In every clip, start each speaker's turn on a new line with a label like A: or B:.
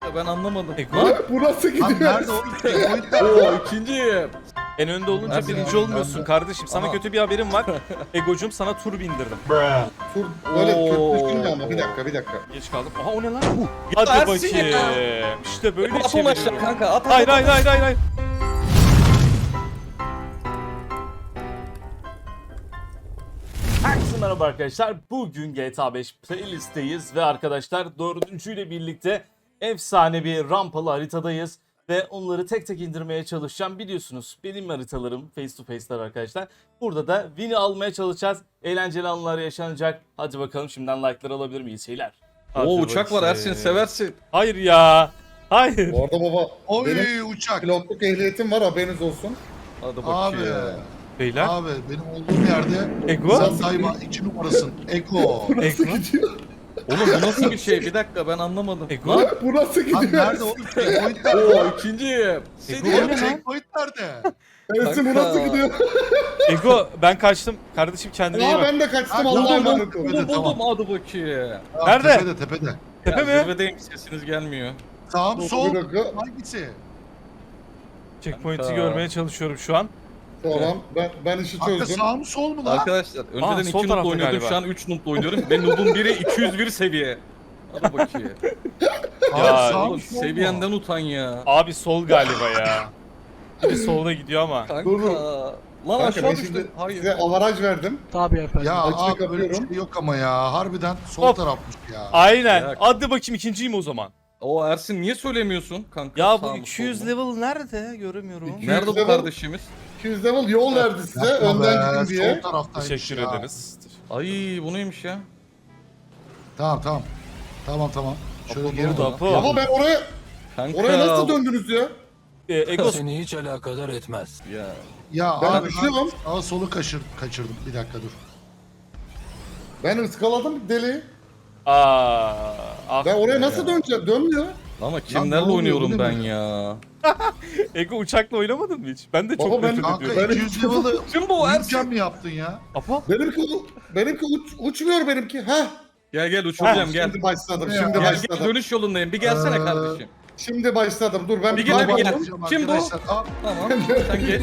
A: Ben anlamadım.
B: Bu nasıl
C: Lan
B: gidiyor?
C: nerede oğlum? Checkpoint nerede?
A: Oo ikinciyim.
D: En önde olunca
A: Ersin
D: birinci
A: abi,
D: olmuyorsun kardeşim. Sana
A: Aha.
D: kötü bir haberim var. Egocum sana tur bindirdim.
B: Tur böyle
D: Oo.
B: kötü düşünme ama bir dakika.
D: Geç kaldım. Aha o ne lan? Hadi
A: Ersin
D: bakayım.
A: ya.
D: İşte böyle
A: At onu aşağı
D: çeviriyorum.
A: kanka. At.
D: Hayır hayır hayır hayır. hayır. Herkese merhaba arkadaşlar. Bugün GTA 5 playlist'teyiz ve arkadaşlar dördüncüyle birlikte efsane bir rampalı haritadayız. Ve onları tek tek indirmeye çalışacağım. Biliyorsunuz benim haritalarım face to face'ler arkadaşlar. Burada da win'i almaya çalışacağız. Eğlenceli anlar yaşanacak. Hadi bakalım şimdiden like'lar alabilir miyiz şeyler? Hadi
A: Oo uçak var
D: bakayım.
A: Ersin seversin.
D: Hayır ya. Hayır.
B: Bu arada baba
C: Oy
B: benim
C: uçak.
B: pilotluk ehliyetim var haberiniz olsun.
A: Hadi
C: Abi.
A: bakayım.
D: Beyler.
C: Abi benim olduğum yerde
D: Ego.
C: sen daima 2 numarasın. Eko.
B: Nasıl
D: Ego.
B: gidiyor?
A: Oğlum bu nasıl bir şey? Bir dakika ben anlamadım.
D: Ego.
A: Lan.
B: Bu nasıl
C: Lan
B: gidiyor?
C: nerede oğlum? Checkpoint nerede?
A: Oo ikinciyim.
D: Ego.
C: Oğlum
D: ne lan?
C: checkpoint nerede?
B: Ersin bu
A: Kanka.
B: nasıl gidiyor?
D: Ego ben kaçtım. Kardeşim kendine iyi
B: Aa
D: bak.
B: ben de kaçtım
C: Ha,
B: Allah'a
C: buldum,
B: emanet olun.
A: Buldum
C: Tamam.
A: hadi bakayım.
C: Aa,
D: Nerede?
C: Tepede.
D: Tepe
A: Ya,
D: mi?
A: zirvedeyim sesiniz gelmiyor.
C: Sağım
B: Bir
C: sol.
B: dakika.
C: Hangisi?
D: Checkpoint'i
A: Kanka.
D: görmeye çalışıyorum şu an.
B: Tamam ben işi
C: Hakkı
B: çözdüm.
C: sağ mı sol mu lan?
A: Arkadaşlar önceden
D: sol
A: 2
D: tarafta
A: noob'la oynuyordum
D: galiba.
A: şu an 3 noob'la oynuyorum ve noob'un biri 201 seviye. Hadi bakayım.
C: Abi
D: Ya,
C: sağ mı
A: Oğlum
C: sol mu?
A: seviyenden utan ya.
D: Abi sol galiba ya. Biri solda gidiyor ama.
A: Kanka.
B: Dur, dur.
A: Lan
B: Kanka
A: aşağı
B: ben
A: düştüm.
B: şimdi
A: Hayır.
B: size avaraj verdim.
E: Tabii efendim.
C: Ya
B: Açık
C: abi böyle bir
B: kapıyorum.
C: şey yok ama ya. Harbiden sol
D: Hop.
C: tarafmış ya.
D: Aynen.
A: Ya.
D: Hadi bakayım ikinciyim o zaman.
A: O Ersin niye söylemiyorsun kanka?
D: Ya
A: Sağ
D: bu
A: mı,
D: 200
A: sol mu?
D: level nerede? Göremiyorum.
A: Nerede bu
B: level-
A: kardeşimiz?
B: 200 level yol verdi size
C: Yapma
B: önden
C: be,
B: gidin diye.
C: Sol taraftaymış
D: Teşekkür
C: ya.
D: ederiz.
A: Ay bu neymiş ya?
C: Tamam. Şöyle geri
D: Apo,
C: dön.
D: Apo.
B: Ama ben oraya
A: Kanka.
B: nasıl döndünüz ya?
D: Ego
E: Seni hiç alakadar etmez.
A: Ya.
C: Ya
B: Ben
C: abi
B: düşüyorum.
C: sağa solu kaçırdım. Bir dakika dur.
B: Ben ıskaladım deli.
D: ah
B: Ben oraya
D: be
B: nasıl
D: ya.
B: döneceğim? Dönmüyor.
A: Ama
C: ne
A: kimlerle
C: oluyor,
A: oynuyorum
C: bu ne
A: ben
C: böyle?
A: ya?
D: Ego uçakla oynamadın mı hiç? Ben de çok
B: Baba, ben-
D: nefret
C: Kanka
D: ediyorum.
C: 200 level'ı
A: Kim bu
C: uyurken
A: Ersin?
C: mi yaptın ya?
D: Apo.
B: Benimki uçmuyor benimki. Heh.
A: Gel uçuracağım gel.
B: Şimdi başladım.
C: Ya.
B: Şimdi
A: Gel
B: başladım.
A: dönüş yolundayım. Bir gelsene
C: Ee,
A: kardeşim.
B: Şimdi başladım. Dur ben
A: Bir
B: bir
A: gel, bir gel.
B: kayboldum.
A: Kim bu?
C: Arkadaşlar, aa,
A: Tamam sen geç.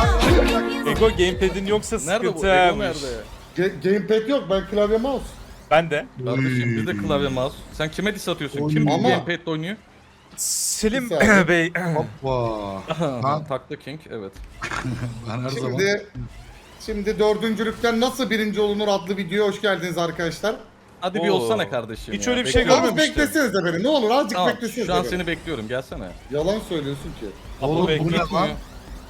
D: Ego gamepad'in yoksa
A: Nerede bu? Ego
D: sıkıntıymış.
A: nerede?
B: Gamepad yok. Ben klavye mouse.
D: Ben de.
A: Kardeşim bizde klavye mouse. Sen kime diss atıyorsun?
C: Oy.
A: Kim bu
B: Ama-
A: gamepad'le oynuyor?
D: Selim
B: Bir saniye.
D: Bey.
C: Hoppa. Ben,
A: Takla King evet.
C: ben her zaman
B: Şimdi dördüncülükten nasıl birinci olunur adlı videoya hoş geldiniz arkadaşlar.
A: Hadi bir
D: Oo.
A: olsana kardeşim
D: Hiç
A: ya.
D: öyle bir şey
A: Bekliyorum.
B: Az
D: görmemiştim.
B: beklesenize beni. Ne olur azıcık
A: Tamam
B: beklesenize
A: şu an
B: beni.
A: seni bekliyorum gelsene.
B: Yalan söylüyorsun ki.
C: Oğlum
D: Bey,
C: bu ne
A: Gitmiyor.
C: lan?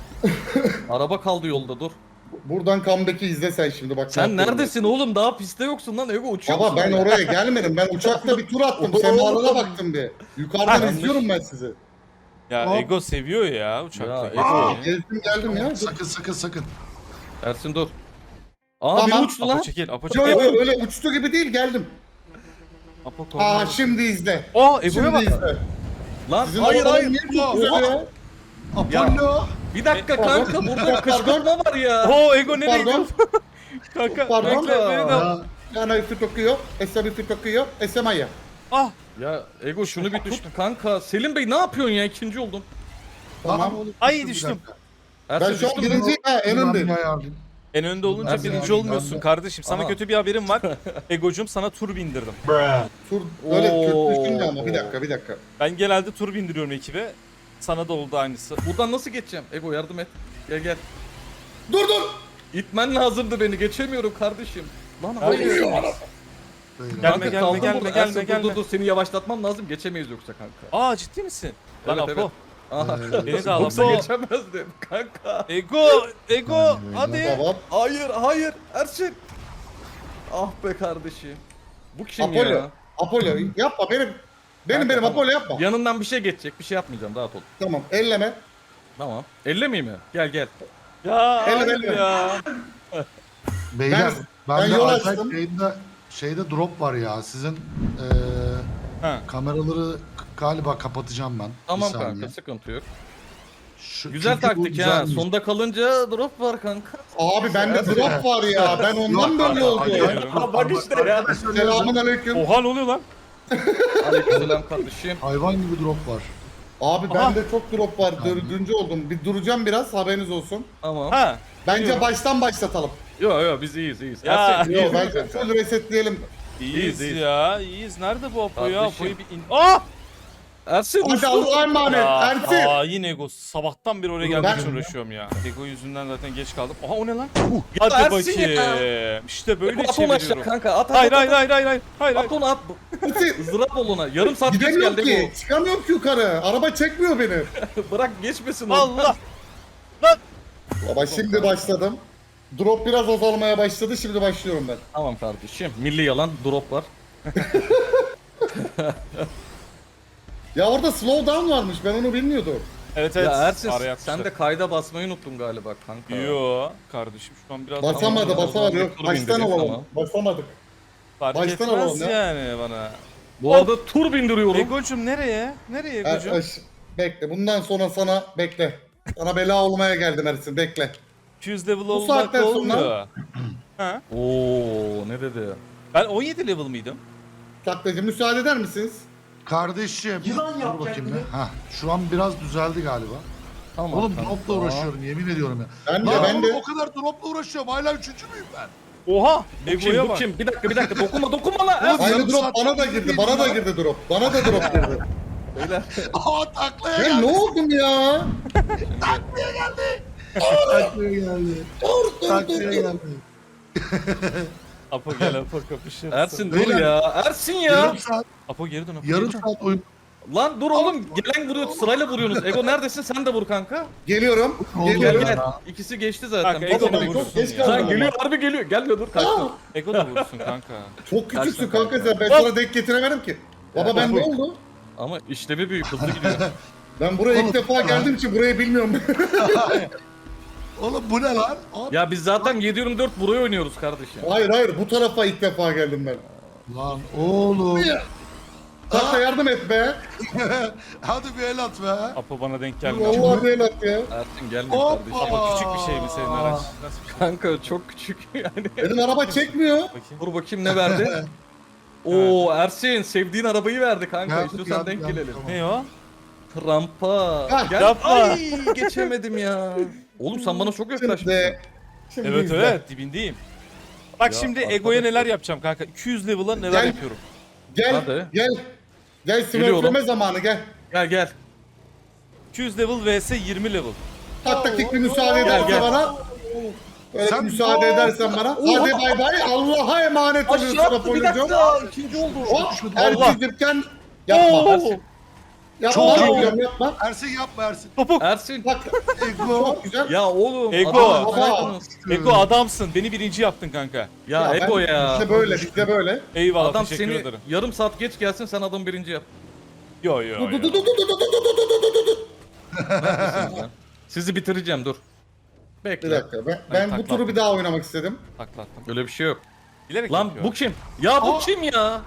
A: Araba kaldı yolda dur.
B: Buradan comeback'i izle sen şimdi bak.
A: Sen neredesin oğlum? Daha pistte yoksun lan. Ego uçuyor
B: Baba
A: musun
B: ben
A: hala?
B: oraya gelmedim. Ben uçakta bir tur attım.
A: Oo.
B: Semalara baktım bir. Yukarıdan
A: Yanlış.
B: izliyorum ben sizi.
D: Ya
C: Hop.
D: Ego seviyor ya uçakla.
A: Ya,
D: Ego.
A: Ego.
B: Gezdim geldim ya.
C: Sakın.
A: Ersin dur. Aa
B: Tamam.
A: biri uçtu
D: Apo
A: lan.
D: çekil. Apo
B: Yo
D: çekil.
B: yo
D: Ego.
B: öyle uçtu gibi değil geldim.
D: Apo
B: Aa
D: korna.
B: şimdi izle.
D: Aa Ego'ya
B: Şimdi
D: bak.
B: izle.
A: Lan
B: Sizin
A: hayır
B: arabanın
A: hayır.
B: niye çok güzel ya?
C: Apollo.
A: Bir dakika kanka burada
B: Pardon.
A: kışkırtma var ya.
D: Oo Ego nereye
B: Pardon.
D: gidiyor? Kanka
B: Pardon.
D: bekle beni de.
C: Ya,
B: Yana üstü tokuyor. Esra üstü tokuyor. Esemaya.
D: Ah.
A: Ya Ego şunu bir tut kanka. Selim Bey ne yapıyorsun ya? İkinci oldum.
B: Tamam.
C: oğlum,
D: Ay,
C: bir
D: düştüm.
C: dakika.
A: Ersin
B: Ben şu an
A: düştün mü?
B: birinci en
C: Ben
B: öndeyim.
C: bir ayarlayayım.
D: En önde olunca
A: Ersin
D: birinci
C: abi,
D: olmuyorsun
B: ben de-
D: kardeşim. Sana
A: Aha.
D: kötü bir haberim var. Egocum sana tur bindirdim.
B: Tur öyle
A: Oo.
B: kötü düşünme ama bir dakika.
D: Ben genelde tur bindiriyorum ekibe. Sana da oldu aynısı.
A: Buradan nasıl geçeceğim? Ego yardım et. Gel.
B: Dur.
A: İtmen lazımdı beni. Geçemiyorum kardeşim. Lan hayır.
C: Böyle.
D: Gelme,
A: Kanka kaldım
D: gelme,
A: burada.
D: gelme,
A: Ersin,
D: gelme.
A: Dur seni yavaşlatmam lazım. Geçemeyiz yoksa kanka.
D: Aa ciddi misin? Lan
A: Evet,
D: Apo.
A: evet. Aha.
D: Beni de al
A: Yoksa
D: Apo.
A: geçemezdim kanka.
D: Ego hadi.
B: Tamam.
A: Hayır Ersin. Ah be kardeşim. Bu kim
B: Apollo.
A: ya?
B: Apollo yapma benim. Benim
A: tamam.
B: Apollo yapma.
A: Yanından bir şey geçecek. Bir şey yapmayacağım. Rahat ol.
B: Tamam elleme.
A: Tamam. Ellemeyeyim mi? Gel.
D: Ya
B: Elle,
D: hayır
B: elle.
D: ya.
C: Beyler
B: ben
C: ben de
B: yol
C: acayip
B: açtım.
C: şeyde drop var ya. Sizin
D: Ha.
C: kameraları galiba kapatacağım ben.
A: Tamam
C: Bir saniye.
A: kanka sıkıntı yok.
C: Şu-
A: Güzel
C: çünkü bu
A: taktik ha.
C: güzelmiş.
A: Sonda kalınca drop var kanka.
B: Abi bende drop var ya. Ben ondan
C: Yok,
B: böyle oldu.
D: Hayır.
A: Bak işte ya.
B: Selamun aleyküm.
D: Oha ne oluyor lan?
A: Aleykümselam kardeşim.
C: Hayvan gibi drop var.
B: Abi bende çok drop var. Dördüncü oldum. Bir duracağım biraz, haberiniz olsun.
A: Tamam.
D: Ha.
B: Bence baştan başlatalım.
A: Yo biz iyiyiz.
D: Ya.
A: Ersin,
B: Yok
A: iyiyiz
B: bence
A: kanka.
B: full resetleyelim.
D: İyiyiz
A: iyiyiz.
D: ya. İyiyiz. Nerede bu Apo ya?
A: Kardeşim.
D: Apo'yu bir in... Ah!
A: Ersin
B: Hadi
A: uçtu.
B: Allah'a emanet.
D: Ya,
B: Ersin.
D: hain ego. Sabahtan beri oraya gelmek
B: Ben-
D: için uğraşıyorum ya. Ego yüzünden zaten geç kaldım. Aha o ne lan?
A: Ya
D: Hadi
A: Ersin ya.
D: bakayım. İşte böyle
A: At onu aşağı
D: çeviriyorum.
A: kanka. At.
D: Hayır hayır hayır hayır hayır. Hayır.
A: At onu at.
B: Ersin.
A: Izdırap ol ona. Yarım saat geç
B: Gidemiyorum
A: geldi
B: ki. Çıkamıyorum ki yukarı. Araba çekmiyor beni.
A: bu. Bırak geçmesin o.
D: Allah.
B: Baba şimdi başladım. Drop biraz azalmaya başladı. Şimdi başlıyorum ben.
A: Tamam kardeşim. Milli yalan drop var.
B: Ya orada slow down varmış. Ben onu bilmiyordum.
D: Evet evet.
A: Ya Ersin
D: Araya
A: sen
D: atmışlar.
A: de kayda basmayı unuttun galiba kanka.
D: Yo kardeşim şu an biraz
B: Basamadı,
A: Tamam,
B: basamadı.
A: tamam.
B: Yok, baştan
A: Tamam.
B: alalım. Basamadık.
D: fark
B: baştan
D: etmez
B: alalım ya.
D: yani bana.
A: Bu arada tur bindiriyorum.
D: Ego'cum nereye? Nereye Ego'cum?
B: Bekle. Bundan sonra sana bekle. Sana bela olmaya geldim Ersin. Bekle.
D: 200 level
B: Bu
D: olmak
B: saatten sonra-
D: olmuyor. Ha?
A: Oo ne dedi?
D: Ben 17 level mıydım?
B: Taklacı müsaade eder misiniz?
C: Kardeşim. Dur bakayım bir. Hah, şu an biraz düzeldi galiba.
A: Tamam.
C: Oğlum
A: kanka.
C: dropla uğraşıyorum yemin ediyorum ya.
B: Ben de
C: Lan
B: ben
C: oğlum,
B: de.
C: o kadar dropla uğraşıyorum. Hala üçüncü müyüm ben?
D: Oha!
A: Bu kim?
D: Ego'ya
A: Bu
D: bak.
A: kim? Bir dakika. Dokunma lan.
C: Oğlum,
B: Aynı
C: yarım
B: drop
C: saat
B: bana da
C: sonra
B: girdi. Bana da girdi drop. Bana da drop girdi.
A: Beyler.
C: Aa taklaya
B: Ya
C: geldi.
B: ne oldum ya?
C: Taklaya geldi. Taklaya geldi.
D: Apo gel Apo kapışırız.
A: Ersin dur
C: Beyler.
A: ya. Ersin ya.
C: Yarım saat,
D: Apo geri dön Apo.
C: yarım
D: geri dön.
C: saat oyun.
A: Lan dur oğlum. Gelen vuruyor. Sırayla vuruyorsunuz. Ego neredesin? Sen de vur kanka.
B: Geliyorum.
C: Oldu
B: Geliyorum.
A: Gel
C: ya.
A: gel. İkisi geçti zaten.
D: Kanka,
A: Bas
D: Ego da
A: ona.
D: vursun
B: çok geç
D: ya.
B: kaldım.
A: Lan geliyor harbi geliyor. Gelmiyor dur kaçtım.
D: Ego da vursun kanka.
B: Çok küçüksün
A: Kaçma
B: kanka
A: kanka.
B: sen. Ben sana denk getiremedim ki. Baba ben ne oldu?
A: Ama işlevi büyük hızlı gidiyor.
B: Ben buraya ilk defa geldiğim için burayı bilmiyorum.
C: Oğlum bu ne lan? Abi.
A: Ya biz zaten 7/24 buraya oynuyoruz kardeşim.
B: Hayır bu tarafa ilk defa geldim ben.
C: Lan oğlum.
B: Takla yardım et be.
C: Hadi bir el at be.
D: Apo bana denk gelmiyor.
B: Vallahi değil at ya.
A: Ersin gelmiyor
C: Hoppa.
A: kardeşim.
D: Apo küçük bir şey mi senin araç? Nasıl bir şey?
A: Kanka çok küçük yani.
B: Benim araba çekmiyor.
D: Bakayım.
A: Dur bakayım ne verdi? Oo Ersin sevdiğin arabayı verdi kanka.
C: Geldik,
A: İstiyorsan
C: geldik,
A: denk
C: geldik,
A: gelelim.
C: tamam.
D: Ne o?
A: Rampa.
B: Hah,
A: Gel.
D: yapma.
A: Ay geçemedim ya. Oğlum sen bana çok yaklaşmışsın.
B: Şimdi
D: Evet
B: izle.
D: evet dibindeyim. Bak
A: Ya,
D: şimdi
A: arkadaş-
D: Ego'ya neler yapacağım kanka. 200 level'a neler
B: Gel.
D: yapıyorum.
B: Gel.
A: Hadi.
B: Gel. Gel
A: Geliyorum.
B: smurfleme zamanı gel.
A: Gel.
D: 200 level vs 20 level.
B: Taktik bir müsaade edersen
A: gel.
B: bana. Böyle
C: Sen-
B: müsaade edersen bana. Hadi bay bay. Allah'a emanet oluyorsun
A: Aşağı attı bir
B: Apollo'cum.
A: dakika. İkinci oldu.
B: Hop.
D: Allah.
B: Ertuğrul'ken yapma.
A: Ersin.
B: Yapma.
C: Çok iyi.
B: Yapma. Yapma.
C: Ersin yapma Ersin.
D: Topuk.
A: Ersin.
B: Bak.
C: Ego.
B: Çok güzel.
A: Ya oğlum.
D: Ego.
A: adamı saydınız.
D: Ego adamsın. Beni birinci yaptın kanka.
A: Ya
B: ben-
A: Ego ya.
B: İşte böyle. İşte böyle.
D: Eyvallah
A: Adam
D: teşekkür
A: seni
D: ederim.
A: yarım saat geç gelsin sen adam birinci yap.
D: Yo yo yo.
A: Neredesiniz lan? Sizi bitireceğim dur.
B: Bir
A: Bekle.
B: dakika. Ben bu
D: takla
B: turu bir daha oynamak istedim.
D: Takla attım.
A: Öyle bir şey yok.
D: Bilerek
A: Lan
D: yapıyor.
A: bu kim? Ya bu kim ya?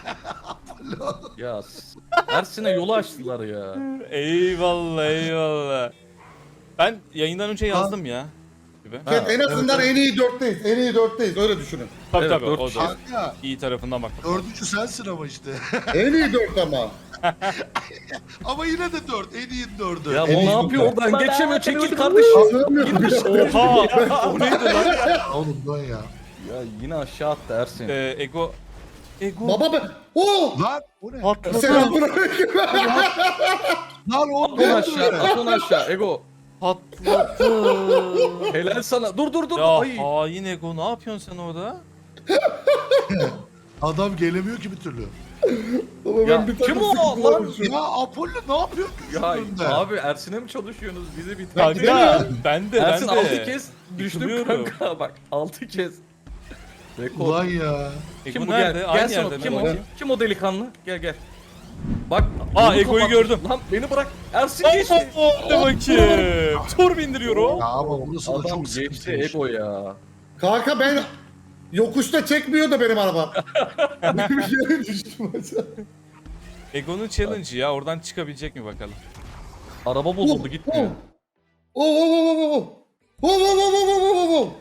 A: Ya Ersin'e yolu açtılar ya.
D: Eyvallah eyvallah. Ben yayından önce yazdım ya. Gibi.
B: Evet, en azından en iyi dörtteyiz. En iyi dörtteyiz. Öyle düşünün.
D: Tabii
A: Evet,
D: tabii
A: dört
D: o
A: kişi.
D: da
C: Kanka.
D: iyi tarafından bak.
C: Dördüncü sensin ama işte.
B: En iyi dört ama.
C: Ama yine de dört. En iyi dördü.
A: Ya o
B: En
A: ne
B: iyi
A: yapıyor
B: futbol.
A: oradan geçemiyor çekil kardeşim.
B: Anlamıyorum.
D: Oha! O neydi lan?
C: Oğlum dön ya.
A: Ya yine aşağı attı Ersin.
D: Ego. Ego.
B: Baba ben. Oo!
C: Lan o ne?
D: Patladı.
B: Selamünaleyküm.
C: Lan o
A: At onu aşağı, at onu aşağı Ego.
D: Patladı.
A: Helal sana. Dur.
D: Ya
A: Ay.
D: hain Ego ne yapıyorsun sen orada?
C: Adam gelemiyor ki bir türlü.
B: Baba
A: Ya,
B: ben bir
A: kim
B: takım
A: o
B: sıkıntılar
A: lan?
B: yaşıyorum.
C: Ya Apollo ne yapıyor ki
A: Ya
C: önünde?
A: abi Ersin'e mi çalışıyorsunuz? Bizi bitir.
D: Kanka ben de
A: Ersin
D: ben de.
A: 6 kez düştüm
D: Yıkılıyorum.
A: kanka bak 6 kez. Rekor.
C: Ulan ya.
A: Kim
D: Ego
A: bu
D: nerede?
A: gel?
D: Aynı
A: Gel sana
D: yerde
A: kim
D: mi?
A: o?
D: Bakayım.
A: Kim o delikanlı? Gel. Bak.
D: Aa,
A: yolu
D: Ego'yu
A: kapat.
D: gördüm.
A: Lan beni bırak. Ersin geçti.
D: Hadi bakayım. Tur bindiriyorum.
C: Ya ama burası da
A: Adam
C: çok
A: geçti
C: sıkıntıymış.
A: Ego ya.
B: Kanka ben yokuşta çekmiyor da benim araba. Bir yere düştüm aşağı.
D: Ego'nun challenge'ı ya oradan çıkabilecek mi bakalım.
A: Araba bozuldu gitmiyor.
B: Oo. Oo.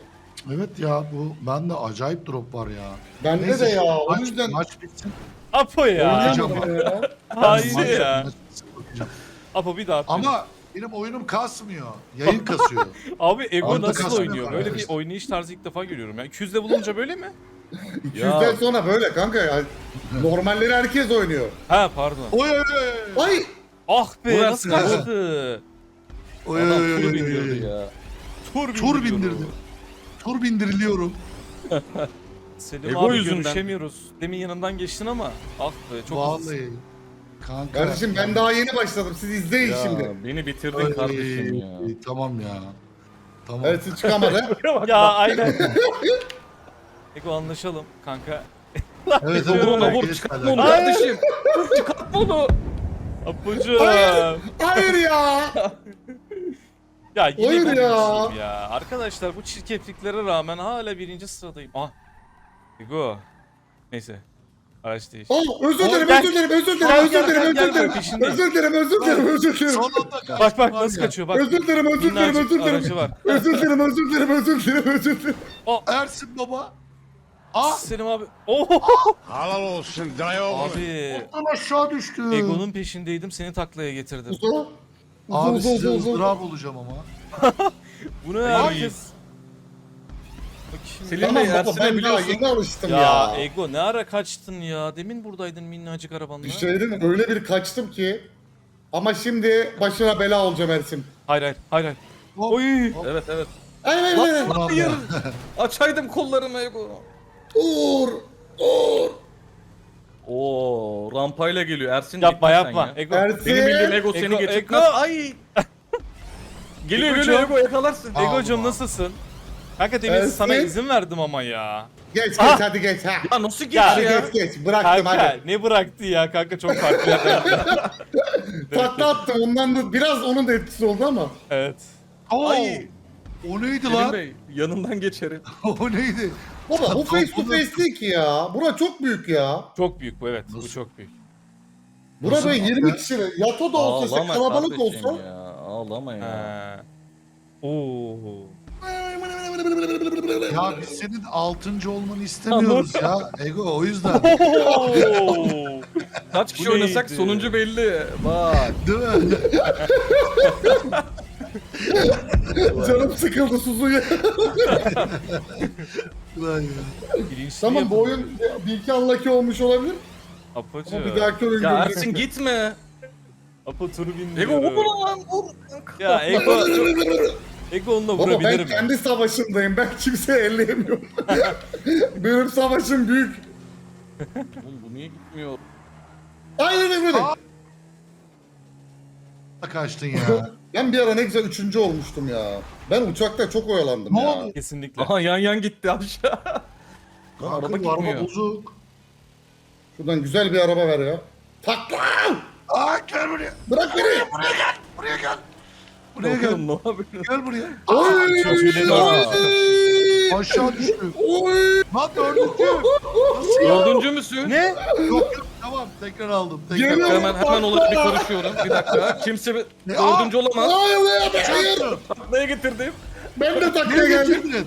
C: Evet ya bu bende acayip drop var ya.
B: Bende
C: Neyse,
B: de ya. O
C: maç-
B: yüzden
C: Maç bitsin.
D: Apo ya.
C: Oynayacağım.
D: Hayır
C: Maç-
D: ya.
C: maç bitsin bakacağım.
D: Apo bir daha.
C: Ama benim oyunum kasmıyor. Yayın kasıyor.
D: Abi Ego
C: Arda
D: nasıl
C: kasmıyor
D: oynuyor? Böyle bir
C: arkadaşlar.
D: oynayış tarzı ilk defa görüyorum ya. 200'de bulunca böyle mi?
B: 200'den sonra böyle kanka ya. Normalleri herkes oynuyor.
D: Ha pardon.
C: Oy oy oy.
B: Ay!
D: Ah be
A: Burası
D: nasıl
A: ne?
D: kaçtı?
C: Oy
A: Adam
C: oy oy,
A: turu
C: oy,
A: bindiriyordu
C: oy.
A: ya.
C: Tur bindirdim. Tur bindiriliyorum.
D: Selim
A: Ego
D: abi
A: yüzünden.
D: görüşemiyoruz. Demin yanından geçtin ama ah be çok hızlısın.
C: Vallahi. Kanka.
B: Kardeşim ben daha yeni başladım. Siz izleyin şimdi.
A: Ya beni bitirdin
C: Ay,
A: kardeşim ya.
C: Tamam ya. Tamam.
B: Evet siz çıkamadı.
D: Ya aynen. Ego anlaşalım kanka.
C: Evet,
D: Vur onu,
C: evet,
A: Vur
C: geç
A: çıkartma
C: kalem.
A: onu kardeşim. Çıkartma onu.
D: Apocuğum.
B: Hayır ya.
D: Ya yine
B: Hayır ya.
D: birinciyim ya. Arkadaşlar bu çirkefliklere rağmen hala birinci sıradayım. Ah. Ego. Neyse. Araç değiş.
B: Özür dilerim,
D: Gel.
B: özür dilerim, özür dilerim,
D: Gel,
B: özür
D: gel,
B: dilerim,
D: gel,
B: özür dilerim.
D: gel, peşindeyim.
B: Özür dilerim, özür dilerim, özür dilerim.
C: Sonunda kaçtım
D: Bak bak
C: var
D: nasıl
C: ya.
D: kaçıyor bak.
B: Özür dilerim, özür dilerim,
D: Minnacık
B: özür
D: aracı
B: dilerim.
D: var.
B: Özür dilerim, özür dilerim, özür dilerim, özür dilerim.
C: Ersin baba. Ah.
D: Selim abi. Oh.
E: Halal olsun dayı oğlum.
D: Abi.
C: Oradan aşağı düştüm.
D: Ego'nun peşindeydim seni taklaya getirdim.
B: Uzo.
C: Abi
B: Uzo,
C: size
B: uzo, uzo.
C: ızdırap olacağım ama.
D: Bu ne herkes? Bakayım.
A: Selim
B: Tamam
A: Bey
B: baba
A: Ersin'e
B: ben daha
A: biliyorsun.
B: yeni alıştım
D: Ya
B: ya.
D: Ego ne ara kaçtın ya? Demin buradaydın minnacık arabanla.
B: Bir şey değil mi? Öyle bir kaçtım ki. Ama şimdi başına bela olacağım Ersin.
D: Hayır hayır hayır hayır.
C: Hop.
D: Oy.
A: Evet evet.
B: Hayır, hayır, hayır.
A: Hayır. Açaydım kollarımı Ego.
B: Uğur. Uğur.
A: Oo rampayla geliyor Ersin.
D: Yapma
A: gitme sen
D: yapma.
A: ya.
D: Ego.
B: Ersin.
A: Benim bildiğim Ego seni
D: Ego,
A: geçirtmez.
D: Ego.
A: Ay. Geliyor
D: Egocuğum.
A: geliyor Ego yakalarsın.
C: Aa.
D: Ego'cum
C: Allah.
D: nasılsın? Kanka demin
B: Ersin.
D: sana izin verdim ama ya.
B: Geç geç
D: Ah.
B: hadi geç ha.
A: Ya nasıl geç
D: Ya,
B: Hadi
A: ya?
B: geç geç bıraktım
D: Kanka
B: hadi.
D: ne bıraktı ya kanka çok farklı yerden.
B: Takla attım ondan da biraz onun da etkisi oldu ama.
D: Evet.
C: Oo.
A: Ay.
C: O neydi
A: Selim
C: lan?
A: Bey yanından geçerim.
C: O neydi?
B: Baba bu face to face değil ki ya. Bura çok büyük ya.
D: Çok büyük bu evet. Bu
C: Nasıl?
D: çok büyük.
B: Bura
C: Nasıl
B: böyle
C: bak
B: 20
C: ya?
B: kişi. Yato da olsa işte
A: Ağlama
B: kalabalık
A: kardeşim
B: olsa.
A: ya. Ağlama ya.
D: Ha. Oo.
C: Ya biz senin 6. olmanı istemiyoruz ya. Ego o yüzden.
D: Oo.
A: Kaç kişi
D: Bu
A: oynasak
D: neydi?
A: sonuncu belli. Bak.
C: Değil mi?
B: Canım sıkıldı Suzu'ya.
C: Ulan ya.
D: Birincisi
B: Tamam bu oyun bir iki unlucky olmuş olabilir.
D: Apocu.
B: Ama bir dahaki oyun
A: Ya
B: göreceksin.
A: Ersin gitme.
D: Apo turu
A: Ego
D: bindiriyorum.
A: vur lan vur.
D: Ya Ego. Ego onunla
B: Baba ben
D: vurabilirim.
B: kendi savaşımdayım. Ben kimseyi elleyemiyorum. Benim savaşım büyük.
A: Oğlum bu niye gitmiyor?
B: Aynen öyle.
C: Aa. Kaçtın ya.
B: Ben bir ara ne güzel 3. olmuştum ya. Ben uçakta çok oyalandım
C: Ne
B: ya.
C: oldu?
D: Kesinlikle.
A: Aha yan gitti aşağı. Lan araba
C: Kanka, bu araba
A: gitmiyor.
C: bozuk.
B: Şuradan güzel bir araba ver ya. Takla!
C: Aa gel buraya.
B: Bırak beni!
C: Buraya gel. Buraya gel. Buraya gel.
A: Oğlum ne yapıyorsun?
C: Gel buraya.
B: Oy!
D: çocuğu
A: Aa.
C: Aşağı düştü.
B: Oy!
C: Lan dördüncü. Nasıl ya?
A: Dördüncü müsün?
D: Ne?
C: Yok yok tamam tekrar aldım. Tekrar
B: Geliyor.
C: aldım.
A: Hemen olayı bir konuşuyorum. Bir dakika. Kimse dördüncü olamaz.
B: Hayır hayır hayır!
C: Çarptım.
A: Taklaya getirdim.
B: Ben de taklaya
C: Nereye
B: geldim.
C: getirdin?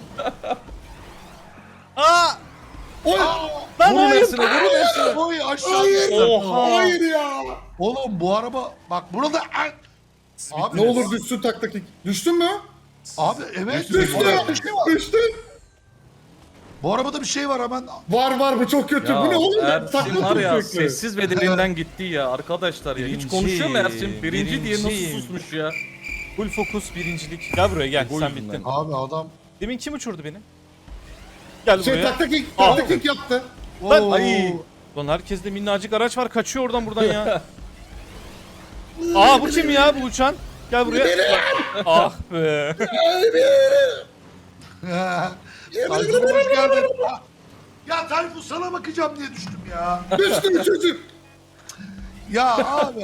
D: Aa!
B: Oy!
D: Lan
A: Vurun
D: hayır.
A: Ersin'e vurun Ersin'e.
C: Oy aşağı
B: Hayır!
C: düştü.
D: Oha.
B: Hayır ya!
C: Oğlum bu araba bak burada abi
B: Ne olur düşsün taktaki. Düştün mü?
C: abi evet
B: Düştü!
C: bu arabada bir şey var.
B: Düştü!
C: Bu arabada bir şey var hemen.
B: Var bu çok kötü. Bu ne oğlum?
A: Ersin
B: Takla
A: var ya
B: sürekli.
A: sessiz bedeninden gitti ya arkadaşlar ya. Hiç
D: Birinci,
A: konuşuyor mu Ersin? Birinci diye
D: birinci.
A: nasıl susmuş ya?
D: Full fokus birincilik. Gel buraya gel.
A: Bu
D: Sen
A: yüzünden.
D: bittin.
C: Abi adam
D: Demin kim uçurdu beni? Gel
B: Şey
D: buraya.
B: takla kick yaptı.
D: Lan-
C: Oo.
A: Ay.
D: Lan herkeste minnacık araç var. Kaçıyor oradan buradan ya. Aa bu kim ya bu uçan? Gel buraya. Ah be.
C: Tayfun hoş geldin. Ya Tayfun sana bakacağım diye düştüm ya.
B: Düştü çocuk.
C: Ya abi.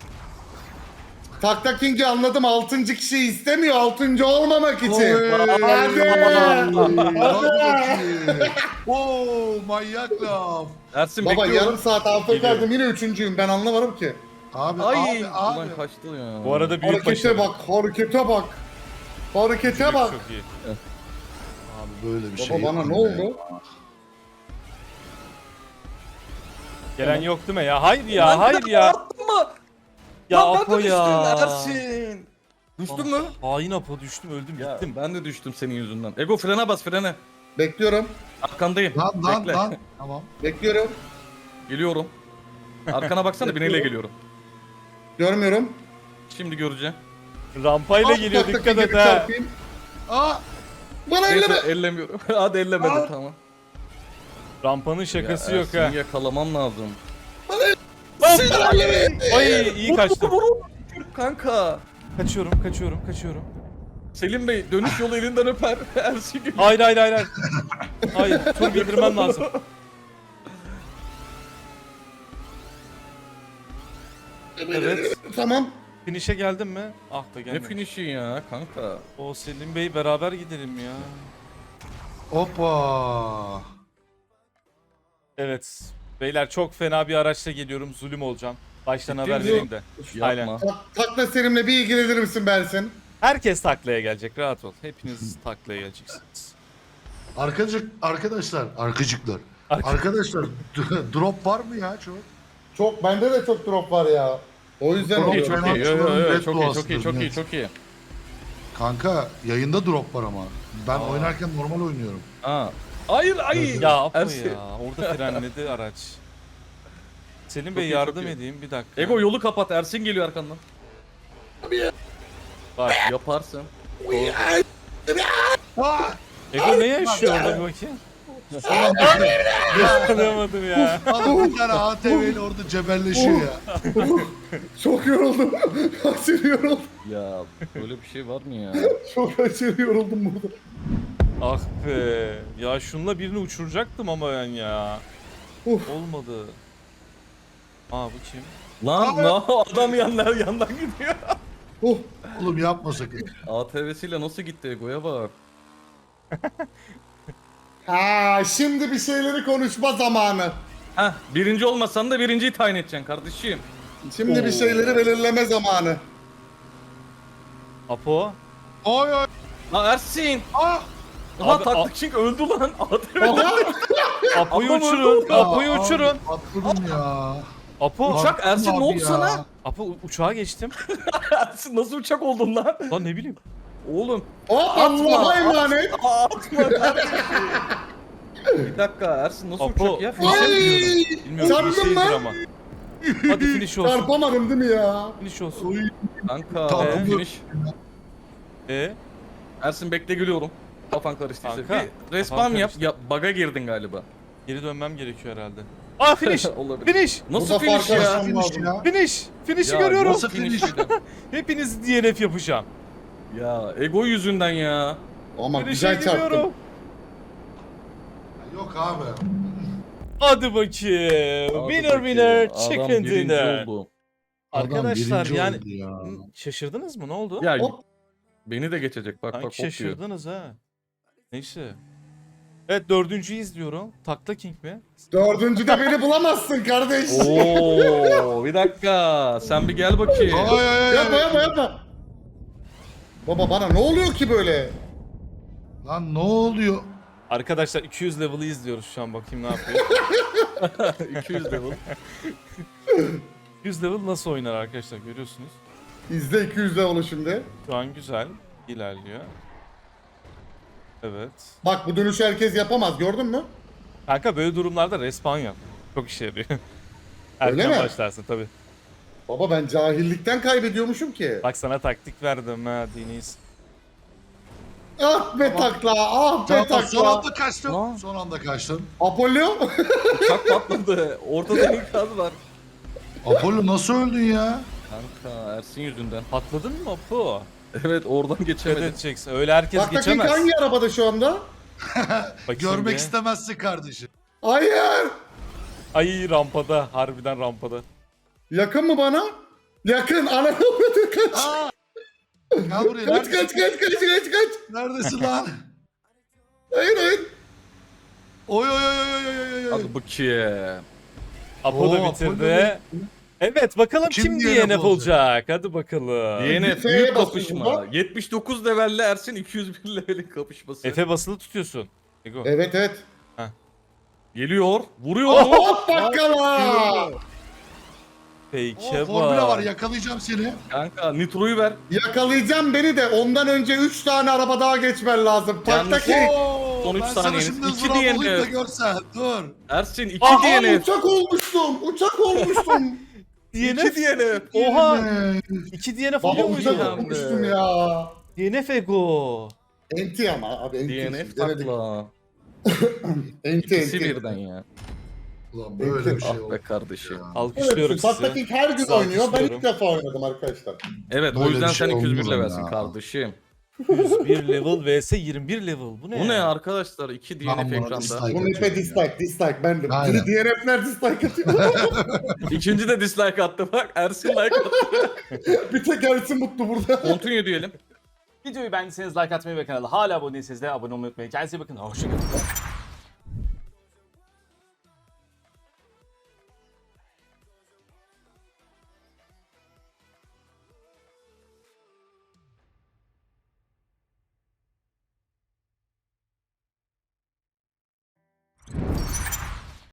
B: Takla King'i anladım. 6. kişi istemiyor 6. olmamak için.
C: Oy.
B: Hadi.
C: Hadi bakayım. Oo manyak laf.
A: Ersin
B: Baba
A: bekliyorum.
B: yarım saat altta kaldım yine 3.'üyüm ben anlamadım ki.
C: Abi
A: Ay.
C: abi.
A: Ulan kaçtı ya.
D: Bu arada büyük
B: Harekete
D: başarı.
B: bak, harekete bak. Harekete bak.
D: Çok iyi.
C: Abi böyle bir şey.
B: Baba bana
C: yok
B: ne
C: ya.
B: oldu?
D: Gelen yok değil mi ya? Hayır ya,
A: Lan bir
D: hayır
A: dakika,
D: ya.
A: attın mı?
D: Ya
A: Lan ben
D: Apo
A: de
D: ya.
A: düştüm Ersin. Düştün mü?
D: Hain Apo, düştüm, öldüm,
A: Ya
D: gittim.
A: ben de düştüm senin yüzünden. Ego frene bas frene.
B: Bekliyorum.
A: Arkandayım.
C: Lan
A: Bekle.
C: lan. Tamam.
B: Bekliyorum.
A: Geliyorum. Arkana baksana bineyle geliyorum.
B: Görmüyorum.
A: Şimdi göreceğim.
D: Rampayla
B: Ah,
D: geliyor,
B: tak, tak,
D: dikkat et
B: bir
D: ha.
B: çarpayım.
C: Aa!
B: Bana elleme.
A: Neyse ellemiyorum. Hadi ellemedi
C: Aa.
A: tamam.
D: Rampanın şakası
A: Ya
D: yok ha.
A: Ersin'i yakalamam lazım.
B: Bana elleme.
D: Ay iyi kaçtım.
A: Kanka.
D: Kaçıyorum.
A: Selim Bey dönüş yolu elinden öper. Ersin geliyor.
D: Hayır. Hayır, tur bildirmem lazım. Evet.
B: Tamam.
D: Finish'e geldim mi? Ah be
A: Ne
D: gelmedim.
A: finişi ya kanka.
D: O Selim Bey beraber gidelim ya.
C: Hoppa.
D: Evet. Beyler çok fena bir araçla geliyorum. Zulüm olacağım. Baştan
A: Ciddi
D: haber
A: misin?
D: vereyim de. Aynen.
A: Yapma.
B: Takla serimle bir ilgilenir misin Bersin?
D: Herkes taklaya gelecek. Rahat ol. Hepiniz taklaya geleceksiniz.
C: Arkadaşlar.
D: Arka-
C: Arkadaşlar drop var mı ya çok?
B: Çok bende de çok drop var ya. O yüzden
C: Çok iyi,
B: oluyor.
C: çok iyi. Red
A: Çok iyi,
C: Blues'tur,
A: çok iyi.
C: Kanka yayında drop var ama. Ben oynarken normal oynuyorum.
A: Aa. Hayır.
D: Ya Apo
A: Ersin.
D: ya. Orada frenledi araç. Selim Bey
A: iyi,
D: yardım
A: çok iyi.
D: edeyim bir dakika.
A: Ego yolu kapat. Ersin geliyor arkandan.
D: Bak.
A: Yaparsın.
D: Ego ne yaşıyor orada bir bakayım. Anlamadım ya.
C: Adam bir tane ATV ile orada cebelleşiyor ya.
B: Çok yoruldum. Aşırı yoruldum.
A: Ya böyle bir şey var mı ya?
B: Çok aşırı yoruldum burada.
D: Ah be. Ya şununla birini uçuracaktım ama ben ya.
B: Uf.
D: Olmadı. Aa bu kim?
A: Lan adam yandan gidiyor.
B: Oh.
C: Oğlum yapma sakın.
A: ATV'siyle nasıl gitti Ego'ya bak.
B: Ha, şimdi bir şeyleri konuşma zamanı.
A: Heh birinci olmasan da birinciyi tayin edeceksin kardeşim.
B: Şimdi bir şeyleri belirleme zamanı.
D: Apo.
C: Oy oy.
A: La Ersin.
C: Ah.
A: Aha
D: Abi,
A: taktık çünkü öldü lan. ATV.
B: Aha.
D: Apo'yu
A: Adam
D: uçurun.
A: öldü.
D: Apo'yu uçurun.
C: Atladım ya.
D: Apo.
A: Uçak Ersin ne
C: Abi
A: oldu
C: ya.
A: sana?
D: Apo uçağa geçtim.
A: Ersin nasıl uçak oldun lan?
D: Lan ne bileyim.
A: Oğlum.
B: O Allah'a emanet.
A: Atma kardeşim. Bir dakika Ersin nasıl
D: Apo.
A: uçak ya?
B: Ay.
D: Bilmiyorum
B: Çarptın
D: finish'teyizdir
B: mı?
D: ama. Hadi finish olsun.
B: Çarpamadım değil mi ya?
D: Finish olsun.
A: Kanka
C: Tamam.
A: finish. Ersin bekle gülüyorum. Kafan karıştıysa.
D: Kanka,
A: Bir respawn
D: kafan
A: yap.
D: karıştı.
A: Ya bug'a girdin galiba.
D: Geri dönmem gerekiyor herhalde. Aa finish.
A: Olabilir.
D: Finish.
A: Nasıl
B: Burada
A: finish
B: fark
A: ya?
B: açmam
C: Finish
B: lazım.
C: ya.
D: Finish. Finish'i
A: Ya,
D: görüyorum.
C: nasıl
A: finish?
D: Hepiniz DNF yapacağım.
A: Ya ego yüzünden ya.
B: Ama
D: Finish'e
B: güzel çarptım.
D: gidiyorum.
C: Yok abi.
D: Hadi bakayım.
A: Hadi
D: Winner
A: bakayım.
D: winner
A: Adam
D: chicken
A: birinci
D: dinner.
A: oldu.
D: Arkadaşlar
C: Adam
D: yani
C: birinci oldu ya.
D: şaşırdınız mı? Ne oldu?
A: Ya
B: Hop.
A: beni de geçecek bak
D: Sanki
A: bak hop diyor.
D: şaşırdınız ha. Neyse. Evet dördüncüyü izliyorum. Takla King mi?
B: Dördüncüde beni bulamazsın kardeş.
A: Oo bir dakika sen bir gel bakayım.
C: Ay ay ay.
B: Yapma
C: ay.
B: yapma yapma. Baba bana ne oluyor ki böyle?
C: Lan ne oluyor?
D: Arkadaşlar 200 level'ı izliyoruz şu an, bakayım ne yapıyor.
A: 200 level.
D: 200 level nasıl oynar arkadaşlar, görüyorsunuz.
B: İzle 200 level'ı şimdi.
D: Şu an güzel ilerliyor. Evet.
B: Bak bu dönüşü herkes yapamaz gördün mü?
D: Kanka böyle durumlarda respawn yap. Çok işe yarıyor.
B: Öyle
D: Erken
B: mi?
D: başlarsın tabi.
B: Baba ben cahillikten kaybediyormuşum ki.
D: Bak sana taktik verdim ha Deniz.
B: Ah be takla, ah be
C: Tamam, son
B: takla.
C: anda kaçtım.
A: Lan.
C: Son anda kaçtım.
B: Apollo.
A: Uçak patladı. Ortada enkaz var.
C: Apollo nasıl öldün ya?
A: Kanka Ersin yüzünden.
D: Patladın mı Apo?
A: Evet oradan
D: Dikkat
A: geçemedim.
D: edeceksin. Öyle herkes
B: Takla King
D: geçemez.
B: hangi arabada şu anda?
D: Bakayım
C: Görmek
D: bir.
C: istemezsin kardeşim.
B: Hayır.
D: Ay rampada. Harbiden rampada.
B: Yakın mı bana? Yakın. Ananı avradı kaç.
C: Aa! Gel buraya.
B: Kaç
C: Neredesin?
B: kaç.
C: Neredesin lan?
B: Hayır.
C: Oy oy oy oy oy oy oy.
A: Hadi bakayım.
D: Apo da
C: Oo,
D: bitirdi. Evet bakalım
C: Kim
D: kim
C: DNF
D: DNF olacak. Hadi bakalım.
A: DNF
B: F'ye
A: büyük
B: basıyorsun
A: kapışma.
B: bak.
A: 79 levelle Ersin 201 levelin kapışması.
D: Efe basılı tutuyorsun. Ego.
B: Evet evet.
A: Geliyor. Vuruyor.
B: Hop bakalım.
D: Fake'e
C: Formüle var
D: bak.
C: yakalayacağım seni.
A: Kanka nitroyu ver.
B: Yakalayacağım beni de ondan önce 3 tane araba daha geçmen lazım.
A: Yalnız-
B: Taktaki.
A: Son üç
C: Ben sana
A: saniyeniz.
C: şimdi
A: İki
C: hızlı olayım da
A: DNF.
C: görsen. Dur.
A: Ersin 2
B: Aha
A: DNF.
B: uçak olmuştum. Uçak olmuştum.
A: 2
D: DNF.
A: DNF.
D: Oha.
C: Yine.
D: 2 DNF
B: Baba
D: oluyor muydu?
B: uçak
A: ya?
B: olmuştum ya.
D: DNF Ego.
B: Enti ama abi enti.
A: DNF
B: Denedik.
A: takla.
B: Enti
A: İkisi
B: enti.
A: birden ya.
C: Ulan böyle bir şey
A: Ah be
C: oldu.
A: kardeşim.
B: Evet,
D: Alkışlıyorum sizi.
B: Taktaki her gün
D: Sizi
B: oynuyor. Ben
D: alkışlıyorum.
B: ilk defa oynadım arkadaşlar.
A: Evet o
C: Böyle
A: yüzden
C: bir şey
A: sen 201
C: olmaz
A: levelsin
C: ya.
A: kardeşim.
D: 101 level vs 21 level. Bu ne?
A: Bu ne arkadaşlar? 2
C: Lan
A: DNF
C: bana
A: ekranda.
C: dislike.
B: Bu map'e dislike bendim.
C: Aynen.
B: DNF'ler dislike atıyor.
A: İkinci de dislike attı bak. Ersin like attı.
B: Bir tek Ersin mutlu burada.
A: Continue diyelim.
D: Videoyu beğendiyseniz like atmayı ve kanala hala abone değilseniz de abone olmayı unutmayın. Kendinize iyi bakın. Hoşçakalın.